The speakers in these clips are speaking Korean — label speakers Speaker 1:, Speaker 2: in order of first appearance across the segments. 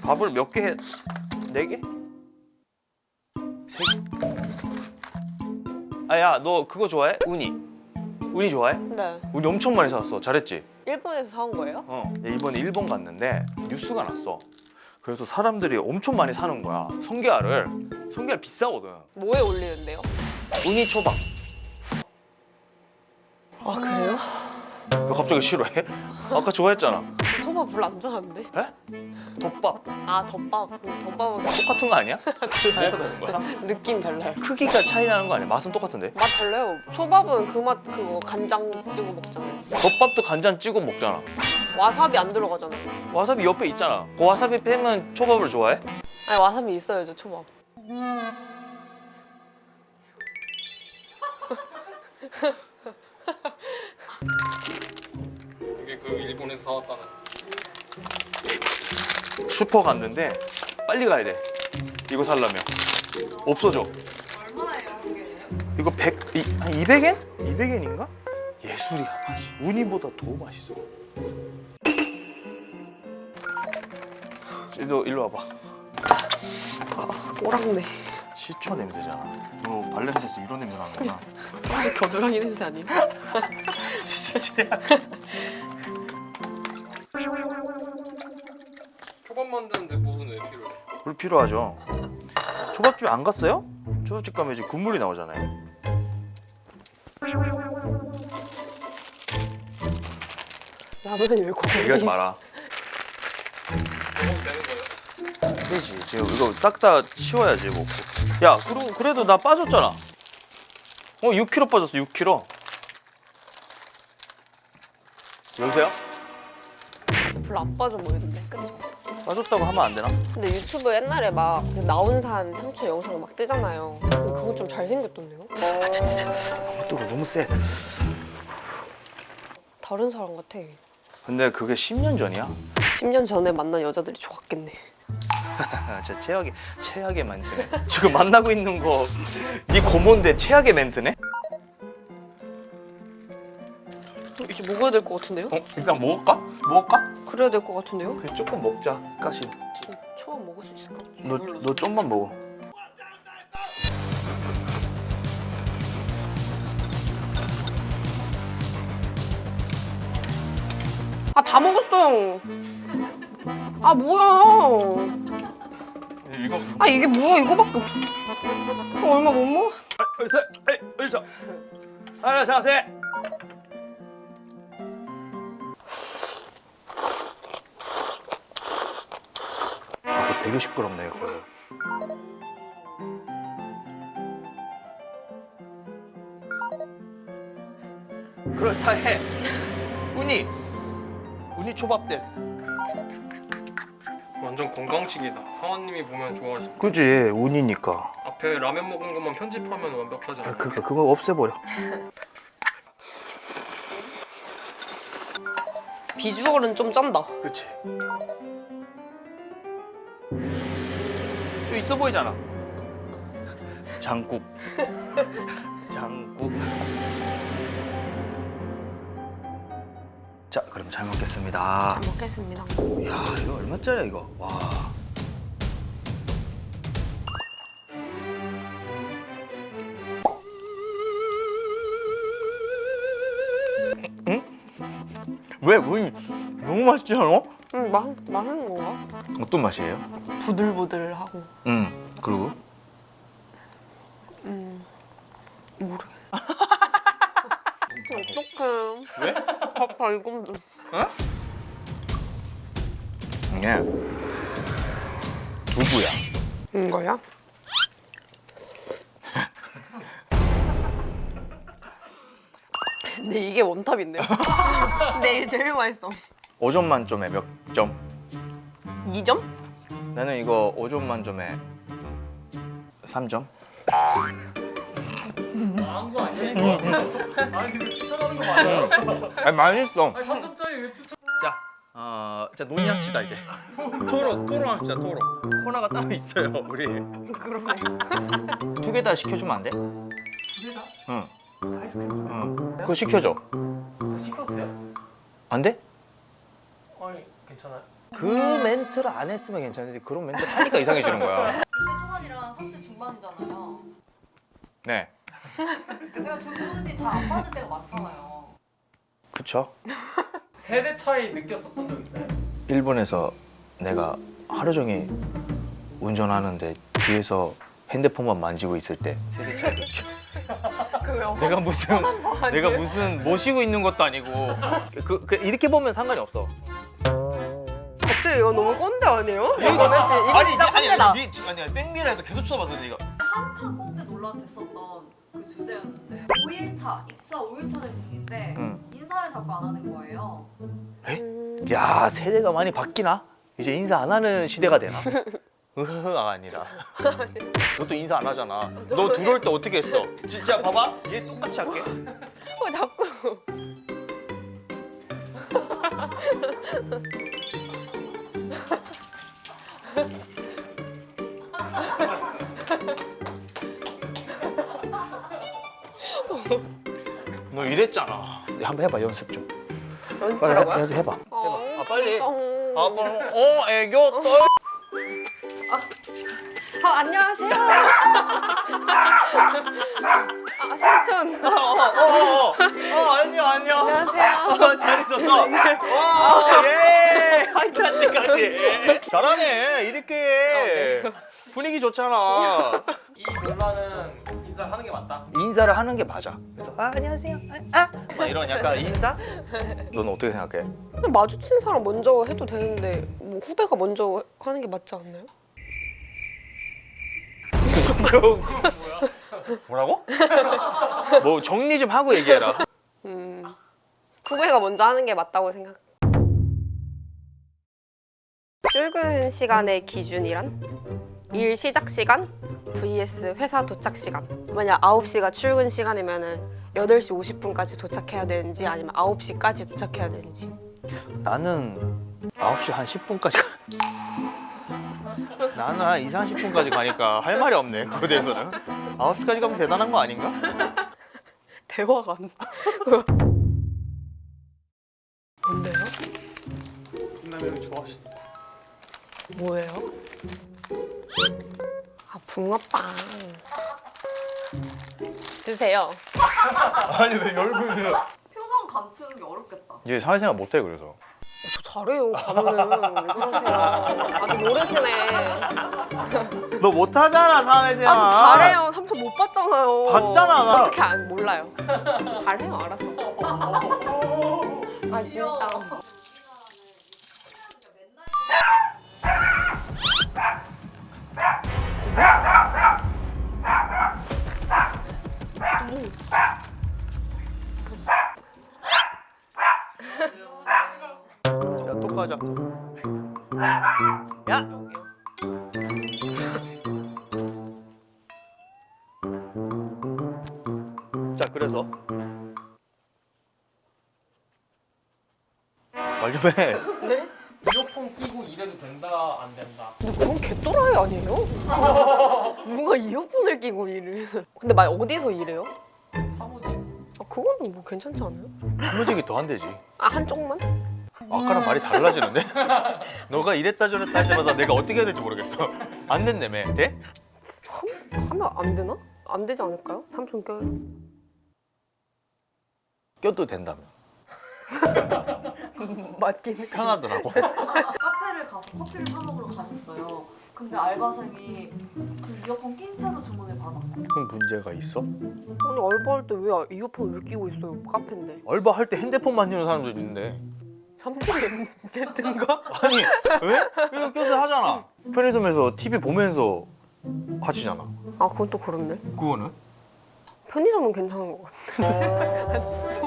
Speaker 1: 밥을 몇 개 해? 4개? 3개? 아야 너 그거 좋아해? 우니. 우니 좋아해?
Speaker 2: 네.
Speaker 1: 우니 엄청 많이 사왔어. 잘했지?
Speaker 2: 일본에서 사온 거예요?
Speaker 1: 이번에 일본 갔는데 뉴스가 났어. 그래서 사람들이 엄청 많이 사는 거야. 성게알을. 성게알 비싸거든.
Speaker 2: 뭐에 올리는데요?
Speaker 1: 우니 초밥.
Speaker 2: 아 그래요?
Speaker 1: 왜 갑자기 싫어해? 아까 좋아했잖아.
Speaker 2: 초밥 별로 안 좋아하는데?
Speaker 1: 에? 덮밥.
Speaker 2: 아 덮밥. 그 덮밥은
Speaker 1: 똑같은 거 아니야? 뭐가 다른 거야?
Speaker 2: 느낌 달라요.
Speaker 1: 크기가 차이 나는 거 아니야? 맛은 똑같은데?
Speaker 2: 맛 달라요. 초밥은 그 맛 그거 간장 찍어 먹잖아요.
Speaker 1: 덮밥도 간장 찍어 먹잖아.
Speaker 2: 와사비 안 들어가잖아요.
Speaker 1: 와사비 옆에 있잖아. 그 와사비 빼면 초밥을 좋아해?
Speaker 2: 아니 와사비 있어야죠 초밥.
Speaker 3: 이게 그 일본에서 사왔다는.
Speaker 1: 슈퍼 갔는데 빨리 가야 돼. 이거 살려면 없어져.
Speaker 4: 얼마예요, 그게?
Speaker 1: 이거 200엔? 200엔인가? 예술이야 맛이. 우니보다 더 맛있어. 너 일로 와봐.
Speaker 2: 꼬랑내.
Speaker 1: 시초 냄새잖아. 너 발냄새에서 이런 냄새 나는구나.
Speaker 2: 겨드랑이 냄새 아니에요?
Speaker 3: 초밥 만드는데 물은 왜 필요해?
Speaker 1: 물 필요하죠. 초밥집 안 갔어요? 초밥집 가면 이제 국물이 나오잖아요.
Speaker 2: 라면이 왜 고기?
Speaker 1: 얘기하지 마라.
Speaker 3: 먹으면 되는 거예요?
Speaker 1: 그렇지. 지금 이거 싹 다 치워야지 먹고. 야, 그래도 나 빠졌잖아. 6kg 빠졌어. 6kg. 여보세요?
Speaker 2: 별로 안 빠져 보이던데. 그쵸?
Speaker 1: 빠졌다고 하면 안 되나?
Speaker 2: 근데 유튜브 옛날에 막그 나온산 상추 영상 막 뜨잖아요. 근데 그거 좀 잘생겼던데요?
Speaker 1: 뜨거 너무 세.
Speaker 2: 다른 사람 같아.
Speaker 1: 근데 그게 10년 전이야.
Speaker 2: 10년 전에 만난 여자들이 좋았겠네.
Speaker 1: 진짜 최악의 멘트네. 지금 만나고 있는 거 네 고모인데 최악의 멘트네?
Speaker 2: 이제 먹어야 될 것 같은데요?
Speaker 1: 일단 먹을까? 먹을까?
Speaker 2: 그래야 될 것 같은데요?
Speaker 1: 그래 조금 먹자. 가시.
Speaker 2: 초밥 먹을 수 있을까?
Speaker 1: 너 좀만 먹어.
Speaker 2: 아 다 먹었어요. 아 뭐야?
Speaker 1: 이거.
Speaker 2: 아 이게 뭐야 이거밖에 없어. 얼마 못 먹어?
Speaker 1: 어디서? 하나 자세. 아, 그거 되게 시끄럽네 그거. 그럴싸해. 우니 초밥 데스.
Speaker 3: 완전 건강식이다. 상원님이 보면 좋아하실.
Speaker 1: 그지 우니니까.
Speaker 3: 앞에 라면 먹은 것만 편집하면 완벽하지 않아요?
Speaker 1: 그거 없애버려.
Speaker 2: 비주얼은 좀 짠다.
Speaker 1: 그치. 좀 있어 보이잖아. 장국. 장국. 자, 그럼 잘 먹겠습니다.
Speaker 2: 잘 먹겠습니다.
Speaker 1: 야, 이거 얼마짜리야 이거? 와. 응? 왜? 너무 맛있지 않아?
Speaker 2: 맛있는 건가?
Speaker 1: 어떤 맛이에요?
Speaker 2: 부들부들하고.
Speaker 1: 그리고?
Speaker 2: 모르겠어. 어떡해.
Speaker 1: 왜?
Speaker 2: 밥 달콤.
Speaker 1: 이게 두부야.
Speaker 2: 이거야? 근데 이게 원탑인데요? 근데 이게 제일 맛있어.
Speaker 1: 5점 만점에 몇 점?
Speaker 2: 2점?
Speaker 1: 나는 이거 5점 만점에 3점?
Speaker 3: 나은 거 아니야 이거? 아니 근데 추천하는 거 맞아요?
Speaker 1: 아니 맛있어.
Speaker 3: 아니 3점짜리 왜 추천?
Speaker 1: 자 논의합시다 이제. 토론합시다 토론. 코너가 따로 있어요 우리.
Speaker 2: 그러네.
Speaker 1: 2개 다 시켜주면 안 돼?
Speaker 3: 2개 다?
Speaker 1: 응.
Speaker 3: 아이스크림
Speaker 1: 응. 그거 시켜줘.
Speaker 3: 그거 시켜도 돼요?
Speaker 1: 안 돼?
Speaker 3: 아니 괜찮아요?
Speaker 1: 그 멘트를 안 했으면 괜찮은데 그런 멘트를 하니까 이상해지는 거야.
Speaker 4: 20대 초반이랑 30대 중반이잖아요.
Speaker 1: 네.
Speaker 4: 그러니까 두 분이 잘 안 맞을 때가 많잖아요.
Speaker 1: 그쵸?
Speaker 3: 세대 차이 느꼈었던 적 있어요?
Speaker 1: 일본에서 내가 하루 종일 운전하는데 뒤에서 핸드폰만 만지고 있을 때 세대 차이 느껴.
Speaker 2: 그래요?
Speaker 1: 내가 무슨 모시고 있는 것도 아니고 이렇게 보면 상관이 없어.
Speaker 2: 갑자기 이거 너무 꼰대 아니에요?
Speaker 1: 아니 백미라에서 계속 쳐다봤어 네가.
Speaker 4: 한참 꼰대 논란 됐었던 그 주제였는데 5일차, 입사 5일차 된 중인데 인사를 자꾸 안 하는 거예요.
Speaker 1: 야 세대가 많이 바뀌나? 이제 인사 안 하는 시대가 되나? 으흐가 아니라 너도 인사 안 하잖아. 너 들어올 때 어떻게 했어? 진짜 봐봐 얘 똑같이 할게.
Speaker 2: 자꾸.
Speaker 1: 너 이랬잖아. 한번 해봐 연습 좀.
Speaker 2: 연습하라고요?
Speaker 1: 연습해봐.
Speaker 2: 아
Speaker 1: 빨리.
Speaker 2: 아,
Speaker 1: 애교 떨.
Speaker 2: 안녕하세요. 삼촌.
Speaker 1: 안녕.
Speaker 2: 안녕하세요.
Speaker 1: 잘 있었어. 예. 하이타치까지. 잘하네. 이렇게 분위기 좋잖아.
Speaker 3: 이 논란은 인사를 하는 게 맞다.
Speaker 1: 인사를 하는 게 맞아. 그래서 안녕하세요. 막 이런 약간 인사? 너는 어떻게 생각해?
Speaker 2: 그냥 마주친 사람 먼저 해도 되는데 뭐 후배가 먼저 하는 게 맞지 않나요?
Speaker 1: 뭐라고? 뭐 정리 좀 하고 얘기해라.
Speaker 2: 후배가 먼저 하는 게 맞다고 생각. 출근 시간의 기준이란? 일 시작 시간 vs 회사 도착 시간. 만약 9시가 출근 시간이면은 8시 50분까지 도착해야 되는지 아니면 9시까지 도착해야 되는지.
Speaker 1: 나는 9시 한 10분까지 나는 한 2, 30분까지 가니까 할 말이 없네. 그거에 대해서는 9시까지 가면 대단한 거 아닌가?
Speaker 2: 대화가 안 돼. 뭔데요?
Speaker 3: 끝나면 좋아하시다.
Speaker 2: 뭐예요? 붕어빵. 드세요.
Speaker 1: 아니 왜 얼굴이
Speaker 4: 표정 감추는 게 어렵겠다.
Speaker 1: 이제 사회생활 못해 그래서.
Speaker 2: 저 잘해요. 가면은 왜 그러세요? 아직 모르시네.
Speaker 1: 너 못하잖아 사회생활.
Speaker 2: 저 잘해요. 삼촌 못 봤잖아요.
Speaker 1: 봤잖아, 나.
Speaker 2: 어떻게 안 몰라요? 잘해요. 알았어. 아 진짜.
Speaker 1: 야, 또 가자. 야! 자, 그래서 말 좀 해.
Speaker 2: 네?
Speaker 3: 이어폰 끼고 일해도 된다 안 된다.
Speaker 2: 근데 그건 개또라이 아니에요? 누가 이어폰을 끼고 일을? 근데 막 어디서 일해요?
Speaker 3: 사무직.
Speaker 2: 그거는 뭐 괜찮지 않아요?
Speaker 1: 사무직이 더 안 되지.
Speaker 2: 한쪽만?
Speaker 1: 아까랑 말이 달라지는데? 너가 이랬다 저랬다 할 때마다 내가 어떻게 해야 될지 모르겠어. 안 된다며. 돼?
Speaker 2: 하면 안 되나? 안 되지 않을까요? 삼촌 껴요.
Speaker 1: 껴도 된다며.
Speaker 2: 맞긴 해.
Speaker 1: 편하더라고.
Speaker 4: 카페를 가서 커피를 사 먹으러 가셨어요. 근데 알바생이 그 이어폰 낀 채로 주문을 받았고.
Speaker 1: 그럼 문제가 있어?
Speaker 2: 아니 알바할 때 왜 이어폰 왜 끼고 있어요? 카페인데.
Speaker 1: 알바할 때 핸드폰 만지는 사람도 있는데.
Speaker 2: 삼촌이 문제든가?
Speaker 1: 아니 왜? 이거 껴서 하잖아. 편의점에서 TV 보면서 하시잖아.
Speaker 2: 아 그건 또 그렇네.
Speaker 1: 그거는?
Speaker 2: 편의점은 괜찮은 것 같아.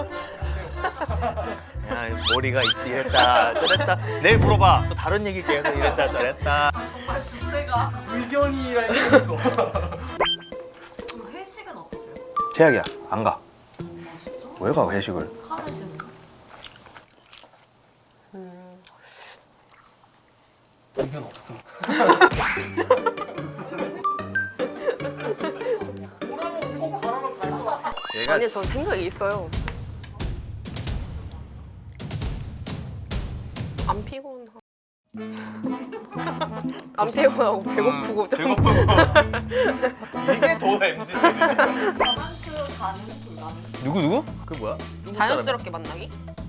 Speaker 1: 야 머리가 있지 이랬다 저랬다. 내일 물어봐. 또 다른 얘기 계속 이랬다 저랬다.
Speaker 4: 정말 주제가.
Speaker 3: 의견이라 했어.
Speaker 4: 그럼 회식은 어떠세요?
Speaker 1: 제약이야. 안 가.
Speaker 4: 아 진짜?
Speaker 1: 왜 가 회식을?
Speaker 4: 하드시는 거?
Speaker 3: 의견 없어. 뭐라고 꼭 가라면 갈것 같아.
Speaker 1: 얘가
Speaker 2: 아니 전 생각이 있어요. 안 피곤하고 안 피곤하고 배고프고 좀
Speaker 1: 배고프고. 이게 더 MZ 세대.
Speaker 4: 다산트 가능 불가능?
Speaker 1: 누구? 그게 뭐야?
Speaker 2: 자연스럽게 만나기?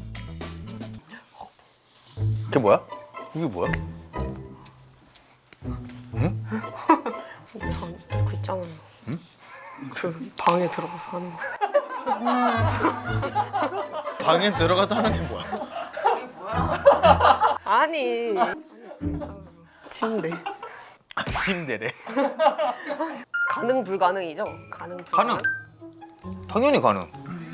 Speaker 1: 그게 뭐야? 이게 뭐야?
Speaker 2: 그 있잖아. 그 방에 들어가서 하는 거.
Speaker 1: 방에 들어가서 하는 게 뭐야?
Speaker 2: 아니. 침대.
Speaker 1: 침대래.
Speaker 2: 가능 불가능이죠? 가능 불가능.
Speaker 1: 가능. 당연히 가능.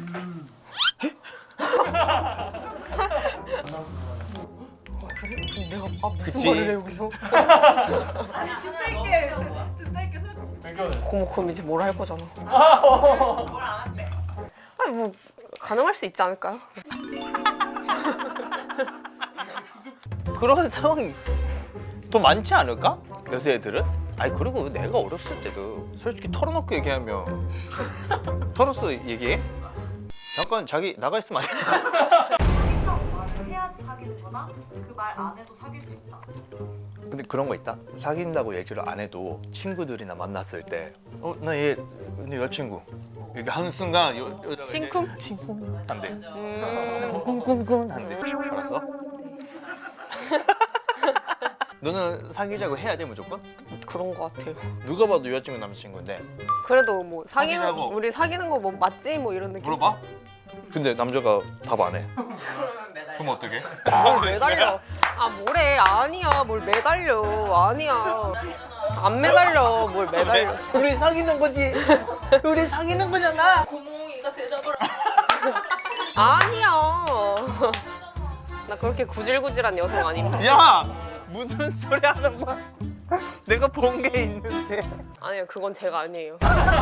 Speaker 2: 내가 무슨
Speaker 1: 그치.
Speaker 2: 말을 해 여기서?
Speaker 4: 아니 진짜 있게 설득.
Speaker 3: 배경은
Speaker 2: 그럼 이제 뭘 할 거잖아.
Speaker 5: 뭘안 한대.
Speaker 2: 아니 뭐 가능할 수 있지 않을까요?
Speaker 1: 그런 상황이 더 많지 않을까? 요새 애들은? 아니 그리고 내가 어렸을 때도 솔직히 털어놓고 얘기하면 털어서 얘기해? 잠깐 자기 나가 있으면 안 돼?
Speaker 4: 사귄다고 말을 해야지 사귀는 거나 그 말 안 해도 사귈 수 있다.
Speaker 1: 근데 그런 거 있다. 사귄다고 얘기를 안 해도 친구들이나 만났을 때 나 얘 여자친구 이렇게 한순간 여자가 이제
Speaker 2: 심쿵?
Speaker 1: 친쿵 한대.
Speaker 2: 음.
Speaker 1: 꿍꿍꿍 한대. 알았어? 너는 사귀자고 해야 돼 무조건?
Speaker 2: 그런 거 같아요.
Speaker 1: 누가 봐도 여자친구 남자친구인데
Speaker 2: 그래도 뭐 사귀는
Speaker 1: 사귀자고.
Speaker 2: 우리 사귀는 거 뭐 맞지 뭐 이런 느낌.
Speaker 1: 물어봐? 근데 남자가 답 안 해.
Speaker 5: 그러면 매달.
Speaker 1: 그럼 어떡해?
Speaker 2: 뭘 매달려? 아 뭐래? 아니야. 뭘 매달려? 아니야. 안 매달려. 뭘 매달려?
Speaker 1: 우리 사귀는 거지. 우리 사귀는 거잖아.
Speaker 5: 고몽이가 대답을
Speaker 2: 아니야. 나 그렇게 구질구질한 여성 아닙니다.
Speaker 1: 야 무슨 소리 하는 거야? 내가 본 게 있는데.
Speaker 2: 아니요, 그건 제가 아니에요.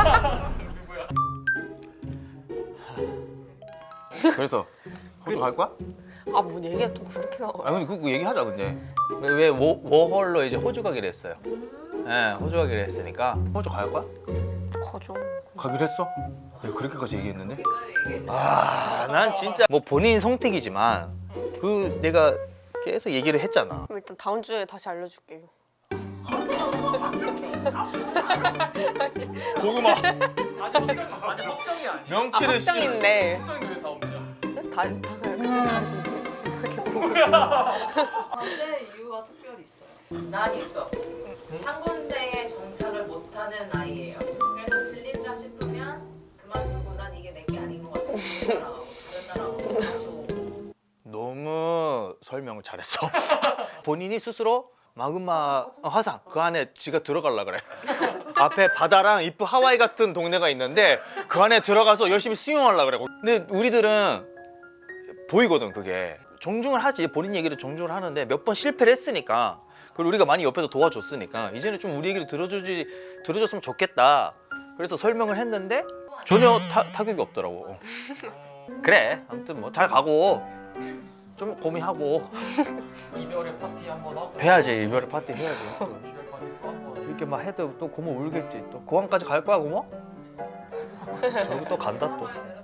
Speaker 1: 그래서 호주 갈 거야?
Speaker 2: 아, 뭐 얘기가 또 그렇게 나와.
Speaker 1: 아 근데 그거 얘기하자 근데. 왜 워홀로 이제 호주 가기로 했어요. 예, 호주 가기로 했으니까 호주 갈 거야?
Speaker 2: 가죠.
Speaker 1: 가기로 했어? 내가 그렇게까지 얘기했는데?
Speaker 5: 얘기해.
Speaker 1: 아, 난 진짜 뭐 본인 선택이지만 그 내가 계속 얘기를 했잖아.
Speaker 2: 그럼 일단 다음 주에 다시 알려줄게요.
Speaker 1: 고구마
Speaker 3: 아직 확정이 아니야.
Speaker 1: 명치를
Speaker 2: 확정인데
Speaker 3: 확정인데 다 없냐?
Speaker 2: 다시
Speaker 4: 반대 이유가 특별히 있어요.
Speaker 5: 난 있어. 한 군데에 정착을 못하는 아이예요. 그래서 질린다 싶으면 그만두고 난 이게 내 게 아닌 것 같아. 다른 나라하고 다시 오고.
Speaker 1: 너무 설명을 잘했어. 본인이 스스로 마그마 화상 그 안에 지가 들어갈라 그래. 앞에 바다랑 이쁜 하와이 같은 동네가 있는데 그 안에 들어가서 열심히 수영하려 그래. 근데 우리들은 보이거든 그게. 존중을 하지. 본인 얘기를 존중을 하는데 몇 번 실패를 했으니까 그리고 우리가 많이 옆에서 도와줬으니까 이제는 좀 우리 얘기를 들어줬으면 좋겠다. 그래서 설명을 했는데 전혀 타격이 없더라고. 그래 아무튼 뭐 잘 가고 좀 고민하고
Speaker 3: 이별의 파티 한번 하고.
Speaker 1: 해야지. 이별의 파티 해야지.
Speaker 3: 이별 파티 또 한번.
Speaker 1: 이렇게 막 해도 또 고모 울겠지. 또 고항까지 갈 거야 고모? 저기 또 간다 또.